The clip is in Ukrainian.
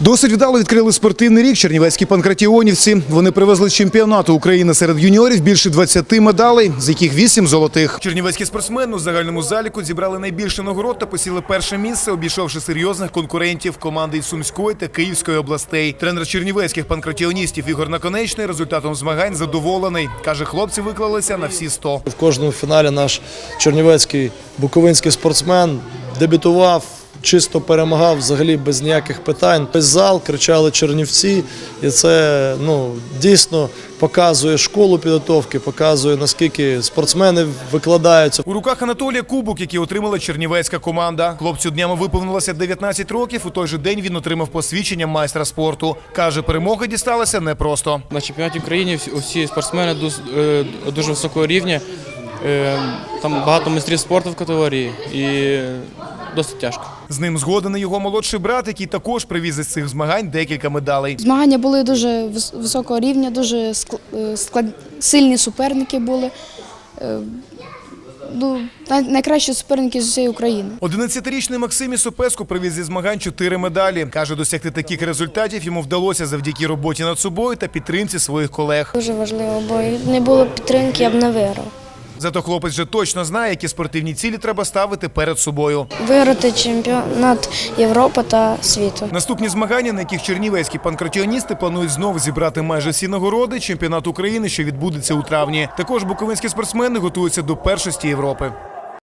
Досить вдало відкрили спортивний рік чернівецькі панкратіонівці. Вони привезли з чемпіонату України серед юніорів більше 20 медалей, з яких 8 золотих. Чернівецькі спортсмени у загальному заліку зібрали найбільше нагород та посіли перше місце, обійшовши серйозних конкурентів команди із Сумської та Київської областей. Тренер чернівецьких панкратіоністів Ігор Наконечний результатом змагань задоволений. Каже, хлопці виклалися на всі 100. В кожному фіналі наш чернівецький буковинський спортсмен дебютував, чисто перемагав взагалі без ніяких питань. Весь зал кричали «Чернівці», і це дійсно показує школу підготовки, показує, наскільки спортсмени викладаються. У руках Анатолія кубок, який отримала чернівецька команда. Хлопцю днями виповнилося 19 років, у той же день він отримав посвідчення майстра спорту. Каже, перемога дісталася непросто. На чемпіонаті України усі спортсмени дуже високого рівня. Там багато майстрів спорту в категорії і досить тяжко. З ним згоден і його молодший брат, який також привіз із цих змагань декілька медалей. Змагання були дуже високого рівня, дуже сильні суперники були. Найкращі суперники з усієї України. 11-річний Максим Ісопеску привіз зі змагань 4 медалі. Каже, досягти таких результатів йому вдалося завдяки роботі над собою та підтримці своїх колег. Дуже важливо, бо не було підтримки, я б не виграв. Зато хлопець вже точно знає, які спортивні цілі треба ставити перед собою. Виграти чемпіонат Європи та світу. Наступні змагання, на яких чернівецькі панкратіоністи планують знову зібрати майже всі нагороди, чемпіонат України, що відбудеться у травні. Також буковинські спортсмени готуються до першості Європи.